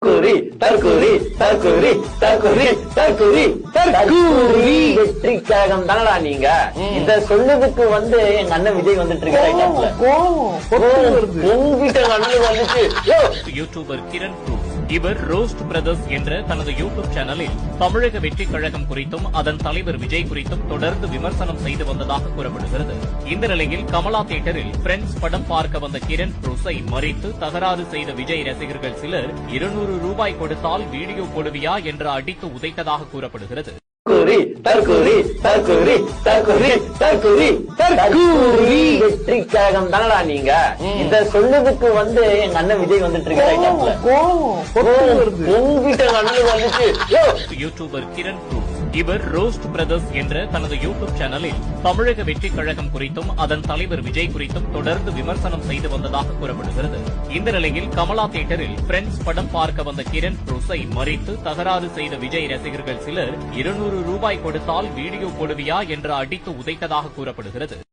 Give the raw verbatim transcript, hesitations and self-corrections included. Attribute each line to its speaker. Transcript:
Speaker 1: தற்குறி தற்குறி தற்குறி தற்குறி தற்குறி தற்குறி வெற்றி கழகம் தானடா நீங்க. இத சொல்லுறதுக்கு வந்து எங்க அண்ணன் விஜய் வந்துட்டு இருக்காரு. உங்ககிட்ட அண்ணன் வந்துச்சு.
Speaker 2: யூடியூபர் கிரண் ப்ரூஸ் இவர் ரோஸ்ட் பிரதர்ஸ் என்ற தனது யூடியூப் சேனலில் தமிழக வெற்றி கழகம் குறித்தும் அதன் தலைவர் விஜய் குறித்தும் தொடர்ந்து விமர்சனம் செய்து வந்ததாக கூறப்படுகிறது. இந்த நிலையில் கமலா தியேட்டரில் பிரெண்ட்ஸ் படம் பார்க்க வந்த கிரண் ப்ரூஸை மறித்து தகராறு செய்த விஜய் ரசிகர்கள் சிலர் இருநூறு ரூபாய் கொடுத்தால் வீடியோ போடுவியா என்று அடித்து உதைத்ததாக கூறப்படுகிறது.
Speaker 1: தற்குறி தற்குறி தற்குறி தற்குறி தற்குறி தற்குறி வெற்றி கழகம் தானடா நீங்க. இத சொல்லுறதுக்கு வந்து எங்க அண்ணன் விஜய் வந்துட்டு இருக்காரு. உங்ககிட்ட அண்ணன் வந்துச்சு.
Speaker 2: யூடியூபர் கிரண் ப்ரூஸ் இவர் ரோஸ்ட் பிரதர்ஸ் என்ற தனது யூடியூப் சேனலில் தமிழக வெற்றி கழகம் குறித்தும் அதன் தலைவர் விஜய் குறித்தும் தொடர்ந்து விமர்சனம் செய்து வந்ததாக கூறப்படுகிறது. இந்த நிலையில் கமலா தியேட்டரில் பிரெண்ட்ஸ் படம் பார்க்க வந்த கிரண் ப்ரூஸை மறித்து தகராறு செய்த விஜய் ரசிகர்கள் சிலர் இருநூறு ரூபாய் கொடுத்தால் வீடியோ போடுவியா என்று அடித்து உதைத்ததாக கூறப்படுகிறது.